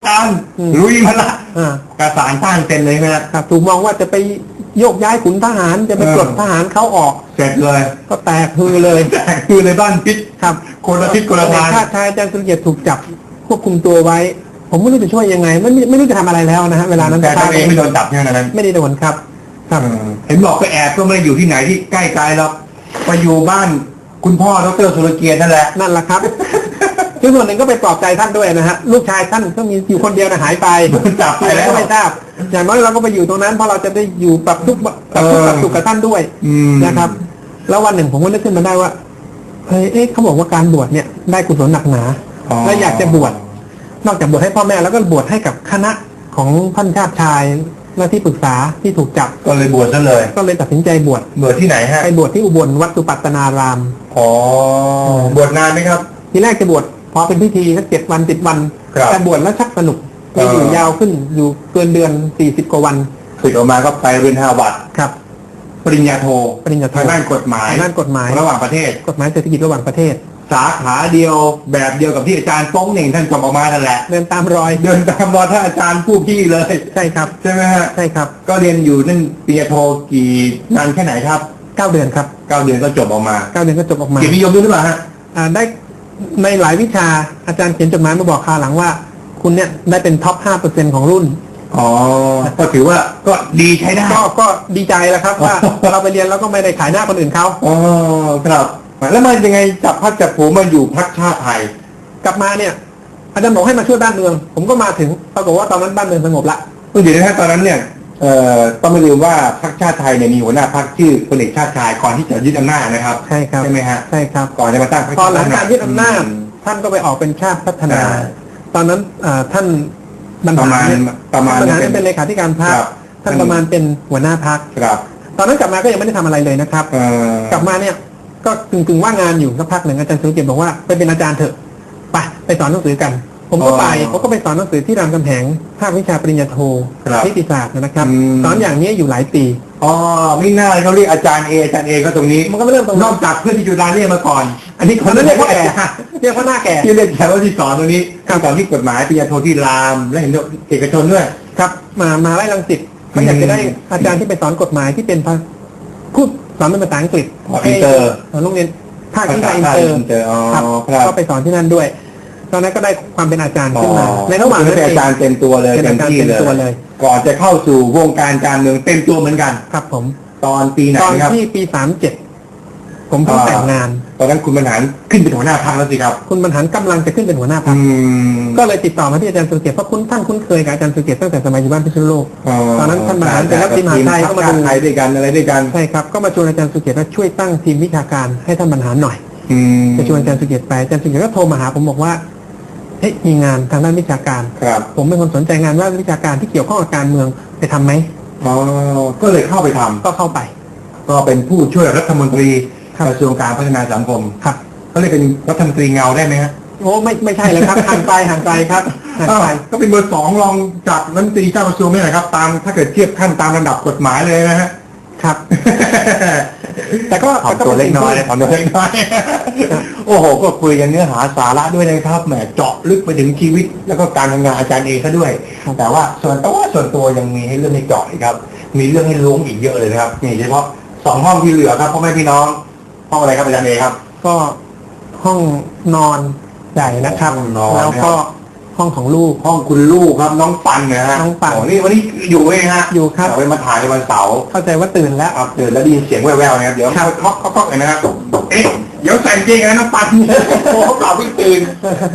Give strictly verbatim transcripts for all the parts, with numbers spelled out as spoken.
การลุยมาละกระสานต้านเต็มเลยนะครับถูกมองว่าจะไปโยกย้ายขุนทหารจะไปปลดทหารเขาออกเสร็จเลยก็แตกฮือเลยแตกฮือเลยบ้านพิษครับคนละทิศคนละทางชาติชายอาจารย์สุรเกียรติถูกจับควบคุมตัวไว้ผมไม่รู้จะช่วยยังไงไม่ไม่รู้จะทำอะไรแล้วนะฮะเวลานั้นแต่ตัวเองไม่โดนจับใช่ไหมนั้นไม่ได้โดนครับครับเห็นบอกไปแอบก็ไม่ได้อยู่ที่ไหนที่ใกล้ไกลหรอกไปอยู่บ้านคุณพ่อดร.สุรเกียรตินั่นแหละนั่นแหละครับคือส่วนหนึ่งก็ไปปลอบใจท่านด้วยนะฮะลูกชายท่านก็มีอยู่คนเดียวนะหายไปโดนจับไปแล้วไม่ทราบอย่างน้อยเราก็ไปอยู่ตรงนั้นเพราะเราจะได้อยู่ปรับทุกข์ปรับทุกข์ปรับสุขกับท่านด้วยนะครับแล้ววันหนึ่งผมก็นึกขึ้นมาได้ว่าเฮ้ยเอ๊ะเขาบอกว่าการบวชเนี่ยได้กุศลหนักหนาและอยากจะบวชนอกจากบวชให้พ่อแม่แล้วก็บวชให้กับคณะของท่านชาติชายและที่ปรึกษาที่ถูกจับก็เลยบวชซะเลยก็เลยตัดสินใจบวชบวชที่ไหนฮะไปบวชที่อุบลวัดสุปัตตนารามอ๋อบวชนานไหมครับทีแรกจะบวชพอเป็นพิธีสักเจ็ดวันสิบวันแต่บวชแล้วชักสนุกไปอยู่ยาวขึ้นอยู่เกินเดือนสี่สิบกว่าวันสึกออกมาก็ไปเรียนฮาร์วาร์ดครับปริญญาโทปริญญาโทด้านกฎหมายด้านกฎหมายระหว่างประเทศกฎหมายเศรษฐกิจระหว่างประเทศสาขาเดียวแบบเดียวกับที่อาจารย์ป้องเหน่งท่านจบออกมานั่นแหละเดินตามรอยเดินตามรอยท่านอาจารย์ผู้พี่เลยใช่ครับใช่ไหมฮะใช่ครับก็เรียนอยู่นั่นปริญญาโทกี่นานแค่ไหนครับเก้าเดือนครับเก้าเดือนก็จบออกมาเก้าเดือนก็จบออกมาเกียรตินิยมด้วยหรือเปล่าฮะอ่าได้ในหลายวิชาอาจารย์เขียนจดหมายมาบอกคราวหลังว่าคุณเนี่ยได้เป็นท็อป ห้าเปอร์เซ็นต์ ของรุ่นอ๋อก็ถือว่าก็ดีใช้ได้ก็ก็ดีใจแล้วครับว่าเราไปเรียนแล้วก็ไม่ได้ขายหน้าคนอื่นเขาอ๋อครับแล้วมันยังไงจับพัดจับผูมาอยู่พรรคชาติไทยกลับมาเนี่ยอาจารย์บอกให้มาช่วยบ้านเมืองผมก็มาถึงปรากฏว่าตอนนั้นบ้านเมืองสงบละก็อยู่ในตอนนั้นเนี่ยเอ่อต้องไม่ลืมว่าพรรคชาติไทยเนี่ยมีหัวหน้าพรรคชื่อพลเอกชาติชายก่อนที่จะยึดอำนาจนะครับใช่ครับใช่ไหมฮะใช่ครับก่อนจะมาตั้งพรรคตอนหลังการยึดอำนาจท่านก็ไปออกเป็นชาติพัฒนาตอนนั้นท่านบรรหารประมาณเป็นเลขาธิการพรรคท่านประมาณเป็นหัวหน้าพรรคตอนนั้นกลับมาก็ยังไม่ได้ทำอะไรเลยนะครับกลับมาเนี่ยก็กึ่งๆว่างงานอยู่สักพักหนึ่งอาจารย์สุรเกียรติบอกว่าไปเป็นอาจารย์เถอะไปไปสอนหนังสือกันผมก็ไปผมก็ไปสอนหนังสือที่รามคำแหงภาควิชาปริญญาโทนิติศาสตร์นะครับสอนอย่างนี้อยู่หลายปีอ๋อไม่น่าเขาเรียกอาจารย์เออาจารย์เอก็ตรงนี้มันก็ไม่เริ่มตรงนอกจากเพื่อนที่จุฬาเรียกมาก่อนอันนี้คนนั้นเรียกว่าแก่เรียกว่าหน้าแก่ที่เรียกแก่ว่าที่สอนตรงนี้สอนที่กฎหมายปริญญาโทที่รามและเห็นเอกชนด้วยครับมามาไล่รังสิตเขาอยากจะได้อาจารย์ที่ไปสอนกฎหมายที่เป็นพูดสอนเป็นภาษาอังกฤษอินเตอร์โรงเรียนภาคอินเตอร์ครับก็ไปสอนที่นั่นด้วยตอนนั้นก็ได้ความเป็นอาจารย์ขึ้นมาในระหว่างนั้นเป็นอาจารย์เต็มตัวเลยเต็มที่เลยก่อนจะเข้าสู่วงการการเมืองเต็มตัวเหมือนกันครับผมตอนปีไหนครับตอนที่ปีสามเจ็ดผมเพิ่งแต่งงานตอนนั้นคุณบรรหารขึ้นเป็นหัวหน้าพรรคแล้วสิครับคุณบรรหารกำลังจะขึ้นเป็นหัวหน้าพรรคก็เลยติดต่อมาที่อาจารย์สุรเกียรติเพราะคุณท่านคุ้นเคยกับอาจารย์สุรเกียรติตั้งแต่สมัยอยู่บ้านพิษณุโลกตอนนั้นท่านบรรหารเป็นรัฐมนตรีไทยก็มาดูไทยด้วยกันอะไรด้วยกันใช่ครับก็มาชวนอาจารย์สุรเกียรติว่าช่วยตั้งทีมวิชาการให้ท่านบรรหารหน่อยจะชวนอาจารย์สุรเกียรติไปอาจารย์สุรเกียรติก็โทรมาหาผมบอกว่าเฮ้ยมีงานทางด้านวิชาการครับผมเป็นคนสนใจงานว่าวิชาการที่เกี่ยวข้องกับการเมืองไปทำไหมอ๋อก็เลยเข้าไปทำก็เข้าไปก็เป็นผู้ช่วยรัฐมนตรีกระทรวงการพัฒนาสังคมครับเขาเรียกเป็นรัฐมนตรีเงาได้ไหมฮะโอ้ไม่ไม่ใช่เลยครับห่างไกลห่างไกลครับห่างไกลก็เป็นเบอร์สองรองจากรัฐมนตรีเจ้ากระทรวงนี่แหละครับตามถ้าเกิดเทียบขั้นตามระดับกฎหมายเลยนะฮะครับแต่ก็ตัวเล็กน้อยเลยตัวเล็กน้อยโอ้โหก็คุยกันเนื้อหาสาระด้วยนะครับแหมเจาะลึกไปถึงชีวิตแล้วก็การทำงานอาจารย์เองซะด้วยแต่ว่าส่วนตัวส่วนตัวยังมีให้เรื่องให้เจาะอีกครับมีเรื่องให้ล้วงอีกเยอะเลยนะครับนี่เฉพาะสองห้องที่เหลือครับพ่อแม่พี่น้องห้องอะไรครับอาจารย์เองครับก็ห้องนอนใหญ่นะครับแล้วก็ห้องของลูกห้องคุณลูกครับน้องปันนะฮะน้องปันนี่วันนี้อยู่ไหมฮะอยู่ครับเอาไปมาถ่ายในวันเสาร์เข้าใจว่าตื่นแล้วครับตื่นแล้วได้ยินเสียงแว่วๆนะครับเดี๋ยวเคาะเคาะเคาะเลยนะครับเอ๊ะเดี๋ยวใส่จริงนะน้องปันโอ้เขาเปล่าเพิ่งตื่น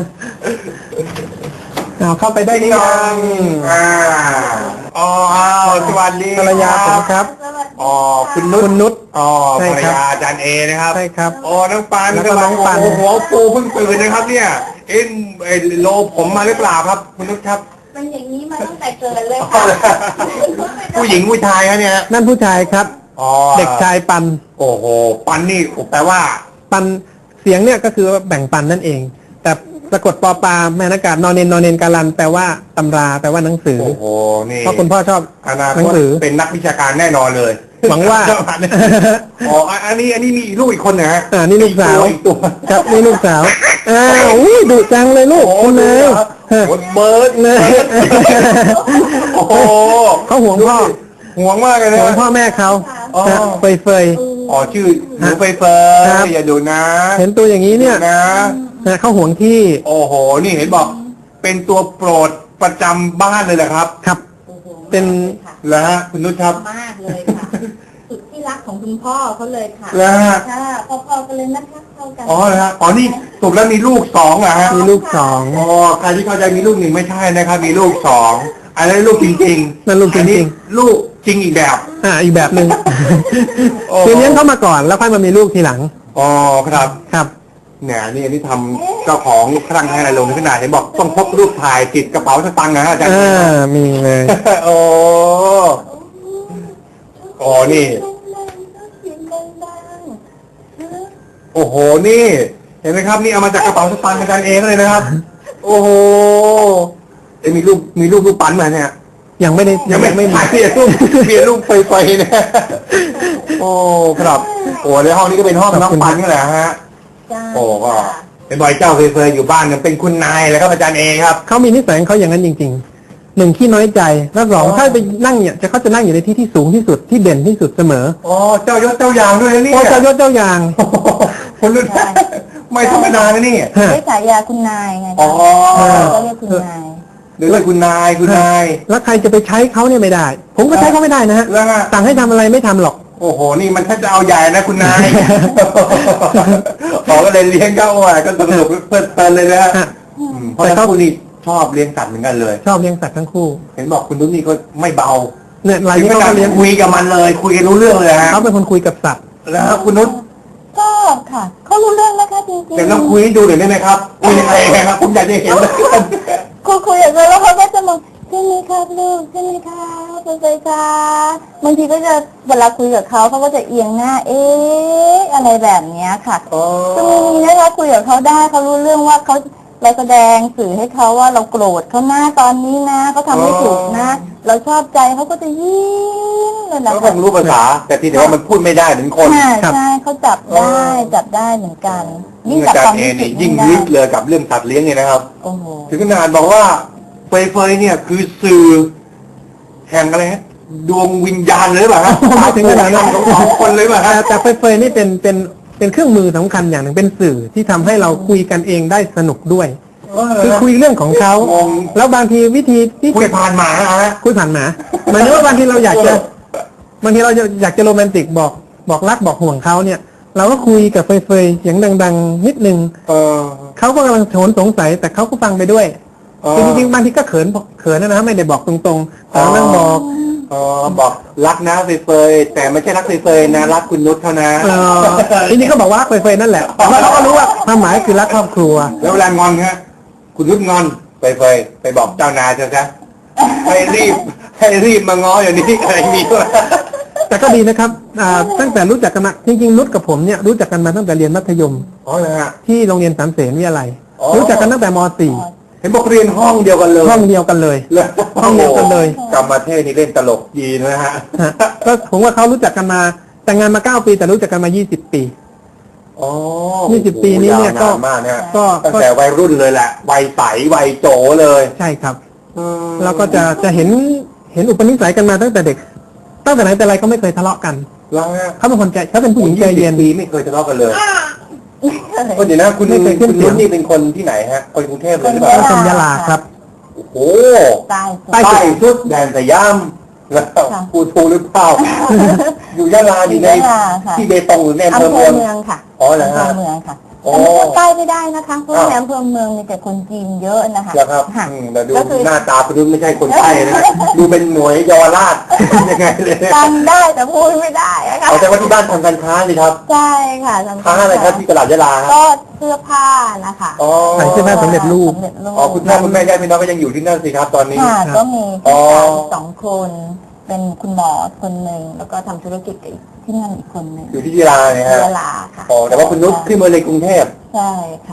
เอาเข้าไปได้ยังอ่าอ๋อสวัสดีภรรยาผมครับอ๋อคุณนุชคุณนุชอ๋อภรรยาอาจารย์เอนะครับใช่ครับอ๋อน้องปันแล้วก็น้องปันโอ้โหปูเพิ่งตื่นนะครับเนี่ยเอ็นไอโลผมมาหรือเปล่าครับคุณนุชครับมันอย่างนี้มาตั้งแต่เกิดเลยค่ะผู้หญิงผู้ชายครับเนี่ยนั่นผู้ชายครับอ๋อเด็กชายปันโอ้โหปันนี่แปลว่าปันเสียงเนี่ยก็คือแบ่งปันนั่นเองแต่สะกดปอปลาแม่นากาศนอนเนนนอนเนนการันแปลว่าตำราแปลว่าหนังสือโอ้โหนี่เพราะคุณพ่อชอบอนาหคนังตสือเป็นนักวิชาการแน่นอนเลยหวังว่าอ๋ออันนี้อันนี้มีลูกอีกคนนะฮะอ่านี่ลูกสาวอีกตัวครับนี่ลูกสาวอ้าวอุ้ยดุจังเลยลูกโอ้โหคุณนายโอ้โหเบิร์ดนะโอ้โหเขาห่วงพ่อห่วงมากเลยนะห่วงพ่อแม่เขาอ๋อฮะเฟยเฟยอ๋อชื่อหนูไฟเฟยครับอย่าดูนะเห็นตัวอย่างนี้เนี่ยนะนะเขาห่วงที่โอ้โห นี่เห็นบอก เป็นตัวโปรดประจำบ้านเลยแหละครับครับโอ้โหเป็นค่ะแล้วฮะคุณนุชครับมากเลยค่ะ สุดที่รักของคุณพ่อเขาเลยค่ะแล้วฮะค่ะพ่อๆกันเลยนะคะเข้ากันอ๋อนะฮะอ๋อนี่ถูกแล้วมีลูกสองเหรอฮะมีลูกสองอ๋อใครที่เข้าใจมีลูกหนึ่งไม่ใช่นะครับ มีลูกสองอันนี้นลูกจริงๆนั่นลูกจอันนี้ริงลูกจริงอีกแบบๆอ่าอีกแบบหนึ่งโอ้คือเลี้ยงเขามาก่อนแล้วค่อยมามีลูกทีหลังอ๋อครับครับเนี่ยนี่อันนี้ทำเจ้าของครั้งให้อะไรลงในขนาดเห็นบอกต้องพกรูปถ่ายติดกระเป๋าสตางค์นะฮะอาจารย์อ่ามีเลยโอ้โอ้นี่ โอ้โหนี่ เห็นไหมครับ นี่เอามาจากกระเป๋าสตางค์อาจารย์เองเลยนะครับ โอ้โหเอ้ยมีรูปมีรูปรูปปั้นมาเนี่ยยังไม่ได้ยังไม่ไม่ถ่ายเปลี่ยนรูปเปลี่ยนรูปไฟๆเนี่ยโอ้ครับโอ้ในห้องนี้ก็เป็นห้องน้องปันนี่แหละฮะ โอ้ก็เป็นบอยเจ้าเคยๆอยู่บ้านเนี่ยเป็นคุณนายเลยครับอาจารย์เอครับเขามีนิสัยของเขาอย่างนั้นจริงๆหนึ่งขี้น้อยใจแล้วสองอ๋อถ้าไปนั่งเนี่ยจะเขาจะนั่งอยู่ในที่ที่สูงที่สุดที่เด่นที่สุดเสมออ๋อเจ้ายศเจ้าอย่างด้วยนะเนี่ยโอ้เจ้ายศเจ้าอย่างโอ้โหคนรุ่นไม่ธรรมดานะนี่ฮะได้ฉายาคุณนายไงอ๋อก็เรียกคุณนายเดี๋ยวเลยคุณนายคุณนายแล้วใครจะไปใช้เขาเนี่ยไม่ได้ ผมก็ใช้เขาไม่ได้นะฮะแล้วฮะสั่งให้ทำอะไรไม่ทำหรอกโอ้โหนี่มันถ้าจะเอาใหญ่นะคุณนายขอก็เลยเลี้ยงเขาอ่ะก็สนุกเพลิดเพลินเลยนะฮะฮะอืมเพราะฉะนั้นคุณนี่ชอบเลี้ยงสัตว์เหมือนกันเลยชอบเลี้ยงสัตว์ทั้งคู่เห็นบอกคุณนุ้นนี่ก็ไม่เบาเนี่ยรายถึงนี้ขเขานาดก็เลี้ยงคุยกับมันเลย คุยกันรู้เรื่องเลยฮะเขาเป็นคนคุยกับสัตว์แล้วคุณนุ้นก็ค่ะเขารู้เรื่องนะคะจริงๆเดี๋ยวลองคุยให้ดูหน่อยได้ไหมครับคุยยังไงครับผมอยากจะเห็นเลยคุยคุยอย่างเงี้ยแล้วเขาก็จะมองใช่ไหมครับลูกใช่ไหมครับเป็นไงครับบางทีก็จะเวลาคุยกับเขาเขาก็จะเอียงหน้า เอ๊ะอะไรแบบเนี้ยค่ะอ๋อก็มีนะคะคุยกับเขาได้เขารู้เรื่องว่าเขาเราแสดงสื่อให้เขาว่าเราโกรธเขาหน้าตอนนี้นะเขาทำไม่ถูกนะ เราชอบใจเขาก็จะยิ้มเลยนะเขาคคะงรู้ภาษา แต่ทีเดียวามันพูดไม่ได้เหมือนคนใช่ใช่เขาจับได้จับได้เหมือนกันยิ่งอาจับจารความย์เอรู้สึนี่กยิ่งได้ลึกเลยกับเรื่องสัตว์เลี้ยงเนี่ยนะครับโอ้โหถึงขนาดบอกว่าเฟยเฟยเนี่ยคือสื่อแห่งอะไรฮะดวงวิญญาณเลยหรือเปล่าฮะไม่ถึงขนาดนั้นของสองคนเลยหรือเปล่าแต่ฮะแต่เฟยๆนี่เป็นเป็นเป็นเครื่องมือสำคัญอย่างหนึ่งเป็นสื่อที่ทำให้เราคุยกันเองได้สนุกด้วย คือคุยเรื่องของเขางงแล้วบางทีวิธีที่คุยจะผ่านหมาฮะคุยผ่านหมาหมายถึงว่าบางทีเราอยากจะบางทีเราอยากจะโรแมนติกบอกบอกรักบอกห่วงเขาเนี่ย เราก็คุยกับเฟยๆเสียงดัง ๆ นิดนึงเออเขาก็กำลังโหนสงสัยแต่เขาก็ฟังไปด้วยอ๋อคือจริงๆบางทีก็เขินเขินนะฮะไม่ได้บอกตรงๆแต่นั่งบอกอ๋อบอกรักนะเฟยเฟยแต่ไม่ใช่รักเฟยเฟยนะรักคุณนุชเท่านั้นเออจริงๆก็บอกว่ารักเฟยๆนั่นแหละแต่ว่าเขาก็รู้ว่าความหมายคือรักครอบครัวแล้วเวลางอนฮะคุณนุชงอนเฟยเฟยไปบอกเจ้านายเถอะครับให้รีบให้รีบมาง้ออย่างนี้อะไรมีวะแต่ก็ดีนะครับอ่าตั้งแต่รู้จักกันมาจริงๆนุชกับผมเนี่ยรู้จักกันมาตั้งแต่เรียนมัธยมอ๋อเหรอฮะที่โรงเรียนสามเสนวิทยาลัยอ๋อรู้จักกันตั้งแต่ม .สี่เห็นบอกเรียนห้องเดียวกันเลยห้องเดียวกันเลยเลยห้องเดียวกันเลยกรรมเทศนี่เล่นตลกดีนะฮะฮะก็ผมว่าเขารู้จักกันมาแต่งงานมาเก้าปีแต่รู้จักกันมายี่สิบปีอ๋อยี่สิบปีนี้เนี่ยก็าามากเนี่ยก็ตั้งก็แต่วัยรุ่นเลยแหละวัยใสวัยโจเลยใช่ครับอืมแล้วก็จะจะเห็นเห็นอุปนิสัยกันมาตั้งแต่เด็ก ตั้งแต่ไหนแต่ไรก็ไม่เคยทะเลาะกันแล้วฮะเขาเป็นคนใจเขาเป็นผู้หญิงใจเย็นปีไม่เคยทะเลาะกันเลยก็เดี๋ยวนะคุณไม่เคยขึ้คุนณเสียนุงชนี่เป็นคนที่ไหนฮะคนกรุงเทพเลยหรือเปเป็ล่านคนยะลาครับโอ้โหตายใต้ใต้สุดแดนสยามแล้วพูดถูกหรือเปล่าอยู่ยะลาอยู่ในยะลาค่ะที่เบตงหรือในอำอำเภอเภเมือองเมืองค่ะอ๋อเหรออำเภฮะอเมืองค่ะโอ้แต่ไม่ใกล้ไม่ได้นะคะเพราะอ้าวในอำเภอเมืองมีแต่คนจีนเยอะนะคะแล้วครับค่ะอืมแต่ดูก็คือหน้าตาคุณนุชไม่ใช่คนใต้นะดูเป็นหน่วยเยาวราชยังไงเลยจำได้แต่พูดไม่ได้นะคะเอาแต่ว่าที่บ้านทำการค้าสิครับใช่ค่ะจำค้าอะไรครับที่ตลาดยะลาครับก็เสื้อผ้านะคะอ๋อขายเสื้อผ้าสำเร็จรูปสำเร็จรูปอ๋อคุณพ่อคุณแม่ญาติพี่น้องก็ยังอยู่ที่นั่นสิครับ ตอนนี้ค่ะก็มีอ๋อพี่ชายสองคน เป็นคุณหมอคนหนึ่งแล้วก็ทำธุรกิจกับอีกที่นั่นอีกคนหนึ่งอยู่ที่ยะลาเนี่ยฮะยะลาค่ะอ๋อแต่ว่าคุณนุชขึ้นมาในกรุงเทพใช่ค่ะอ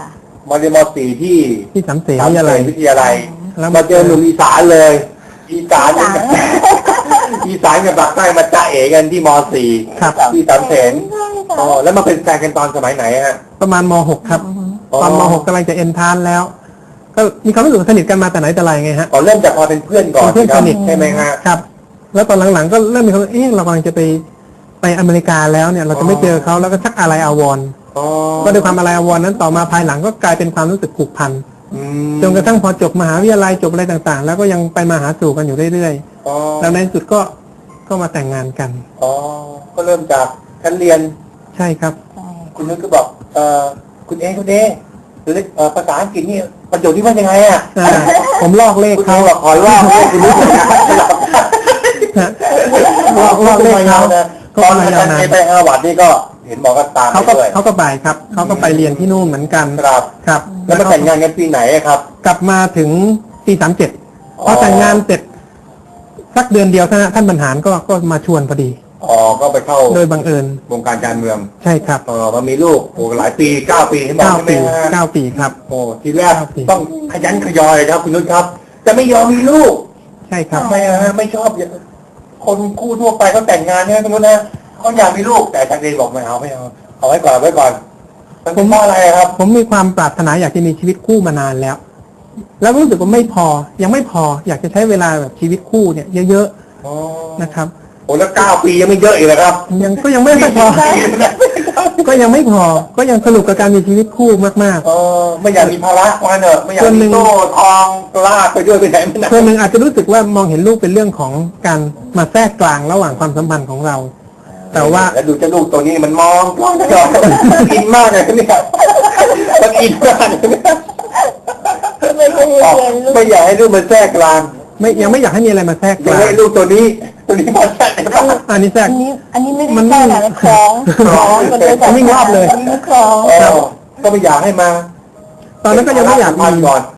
มาเรียนมสี่ที่ที่สามเสนสามวิทยาลัยวิทยาลัยแล้วมาเจอหนุ่มอีสานเลย อีสานเนี่ยอีสานกับปากใต้มาจ้าเอ๋กันที่มสี่ครับที่สามเสนใช่ค่ะอ๋อแล้วมาเป็นแฟนกันตอนสมัยไหนฮะประมาณม หก ครับอ๋อตอนม หกกำลังจะเอ็นทรานซ์แล้ว ก็มีความรู้สึกสนิทกันมาแต่ไหนแต่ไรไงฮะอ๋อเริ่มจากพอเป็นเพื่อนก่อนเป็นเพื่อนสนิทใช่ไหมฮะครับ แล้วตอนหลังๆก็เริ่มมีความรู้สึกเอ๊ะเรากำลังจะไปไปอเมริกาแล้วเนี่ย เราจะไม่เจอเขาแล้วก็ชักอะไรอาวรณ์อ๋อก็ด้วยความอะไรอาวรณ์นั้นต่อมาภายหลังก็กลายเป็นความรู้สึกผูกพันอืมจนกระทั่งพอจบมหาวิทยาลัยจบอะไรต่างๆ แล้วก็ยังไปมาหาสู่กันอยู่เรื่อยอ๋อๆ แล้วในที่สุดก็ก็มาแต่งงานกันอ๋อก็เริ่มจากชั้นเรียนใช่ครับใช่คุณนึกก็บอกเอ่อคุณเอคุณเอหรือเอ่อภาษาอังกฤษนี่ประโยคที่ว่ายังไงอ่ะอ่าผมลอกเลขคุณเอเขาบอกขอว่าให้คุณนึกอย่างนั้นฮะลอกลอกเลขเขาตอนอาจารย์เอไปฮาร์วาร์ดนี่ก็เห็นบอกก็ตามเขาไปก็ด้วยเขาก็ไปครับ เขาก็ไปเรียนที่นู่นเหมือนกันครับครับแล้วมาแต่งงานกันปีไหนอะครับกลับมาถึงปีสามเจ็ดอ๋อพอแต่งงานเสร็จสักเดือนเดียวท่านท่านบรรหารก็ก็มาชวนพอดีอ๋อก็ไปเข้าโดยบังเอิญวงการการเมืองใช่ครับอ๋อมามีลูกโอ้หลายปีเก้าปีเห็นบอกเก้าใช่ไหมปีฮะเก้าปีครับโอ้ทีแรกเก้าปีต้องขยันขยอยเลยครับคุณนุชครับจะไม่ยอมมีลูกใช่ครับทำไมอะฮะไม่ชอบอย่างคนคู่ทั่วไปเขาแต่งงานเนี่ยคุณนุชนะเขาอยากมีลูกแต่ทางเรียนบอกไม่เอาไม่เอาเอาไว้ก่อนเอาไว้ก่อนมันเป็นเพราะอะไรครับผมมีความปรารถนาอยากจะมีชีวิตคู่มานานแล้ว แล้วรู้สึกว่าไม่พอยังไม่พออยากจะใช้เวลาแบบชีวิตคู่เนี่ยเยอะอ๋อๆนะครับโอ้แล้วเก้าปียังไม่เยอะอีกเลยครับยังก็ยังไม่ค่อยพอ ก็ยังไม่พอก็ยังสนุกกับการมีชีวิตคู่มากเออไม่อยากมีภาระมาเนอะไม่อยากส่วนหนึ่มีงโซ่ทองลากไปด้วยไปไหนไม่ไหนๆส่วนหนึ่งอาจจะรู้สึกว่ามองเห็นลูกเป็นเรื่องของการมาแทรกกลางระหว่างความสัมพันธ์ของเรา แต่ว่าแล้วดูเจ้าลูกตัวนี้มันมองกล้องตลอดอินมากเลยเนี่ยมันอินมากเลยเนี่ยไม่เคยอ๋อเรียนลูกไม่อยากให้ลูกมันแทรกกลางไม่ยังไม่อยากให้มีอะไรมาแทรกกอยากลางให้ลูกตัวนี้ ตัวนี้มาแทรกในบ้านอันนี้แทรอักนนี้อันนี้ไม่ได้มันแค่ไหนนะคล้องคล้องมันเลยวิ่งรอบเลยวิ่งคล้องอ๋อก็ไม่อยากให้มาตอนนั้นก็ยังไม่อยากพันมีก่อน